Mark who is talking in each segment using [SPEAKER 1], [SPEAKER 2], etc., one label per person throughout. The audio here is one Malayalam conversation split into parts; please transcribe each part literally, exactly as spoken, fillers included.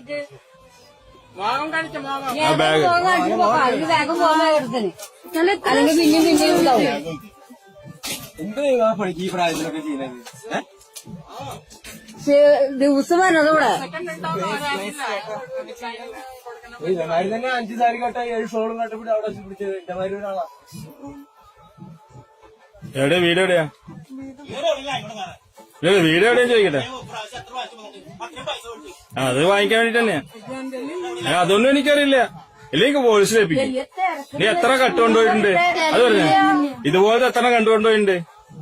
[SPEAKER 1] വേഗം പോകാൻ അല്ലെങ്കിൽ പിന്നെയും പിന്നെയും ഉണ്ടാവും.
[SPEAKER 2] എന്ത് നിങ്ങൾ പണിക്ക് ഈ പ്രായത്തിലൊക്കെ ചെയ്യുന്നത്?
[SPEAKER 1] ദിവസം വരണത് ഇവിടെ
[SPEAKER 2] ഇതേമാതിരി തന്നെ അഞ്ച് സാരി കട്ട ഏഴ് ഷോളും കട്ടപ്പിടി അവിടെ പിടിച്ചത് ഇതേമാതിരി ഒരാളാ.
[SPEAKER 3] എവിടെ വീട് എവിടെയാ? വീട് എവിടെയാ ചോദിക്കട്ടെ. അത് വാങ്ങിക്കാൻ വേണ്ടിട്ട് തന്നെയാ. അതൊന്നും എനിക്കറിയില്ല. ഇല്ലെങ്കിൽ പോലീസിൽ ഏൽപ്പിക്കും. നീ എത്ര കട്ടുകൊണ്ടുപോയിട്ടുണ്ട് അത് പറഞ്ഞു. ഇതുപോലത്തെ എത്ര കണ്ടുകൊണ്ടുപോയിട്ടുണ്ട്?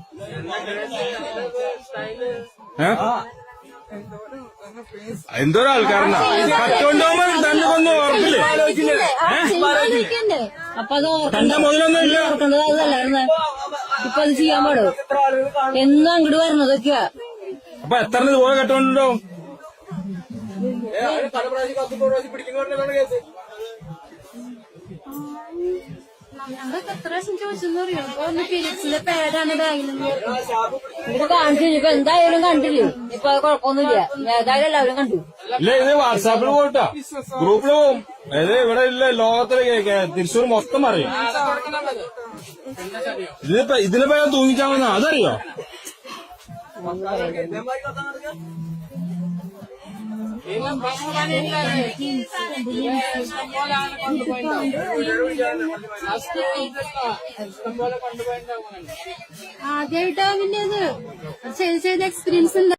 [SPEAKER 3] എന്തോരോ ആൾക്കാരനാ കട്ടുകൊണ്ടുപോകുമ്പോ തന്നെ ഒന്നും ഓർക്കില്ലേ? തന്റെ മുതലൊന്നും ഇല്ല.
[SPEAKER 1] ഇപ്പൊ അത് ചെയ്യാൻ പാടും. എന്നും അങ്ങോട്ട് വരണതൊക്കെയാ.
[SPEAKER 3] അപ്പൊ എത്ര ഇതുപോലെ കട്ടുകൊണ്ടുണ്ടാവും?
[SPEAKER 2] പല പ്രാവശ്യം പത്ത് പ്രാവശ്യം പിടിക്കുന്നവരുടെ കേസ്.
[SPEAKER 1] ഞങ്ങൾക്ക് എത്ര പ്രാവശ്യം ചോദിച്ചെന്ന് അറിയാം. ഇപ്പൊ ഒന്ന് ഫിലിപ്സിന്റെ പേരാണ് ബാഗിൽ ഇവിടെ കാണിച്ചു. ഇപ്പൊ എന്തായാലും കണ്ടില്ലേ. ഇപ്പൊ കുഴപ്പമൊന്നുമില്ല. ഏതായാലും എല്ലാവരും കണ്ടു.
[SPEAKER 3] ഇല്ല ഇത് വാട്സാപ്പിൽ പോയിട്ടാ ഗ്രൂപ്പിൽ പോവും. അതായത് ഇവിടെ ഇല്ല ലോകത്തിലെ തൃശ്ശൂർ മൊത്തം അറിയും. ഇതിനിപ്പോ ഇതിനിപ്പോ തൂങ്ങിച്ചാവുന്ന അതറിയോ?
[SPEAKER 1] ആദ്യമായിട്ടാ പിന്നെ അത് ചെയ്ത് ചെയ്ത് എക്സ്പീരിയൻസ് ഉണ്ട്.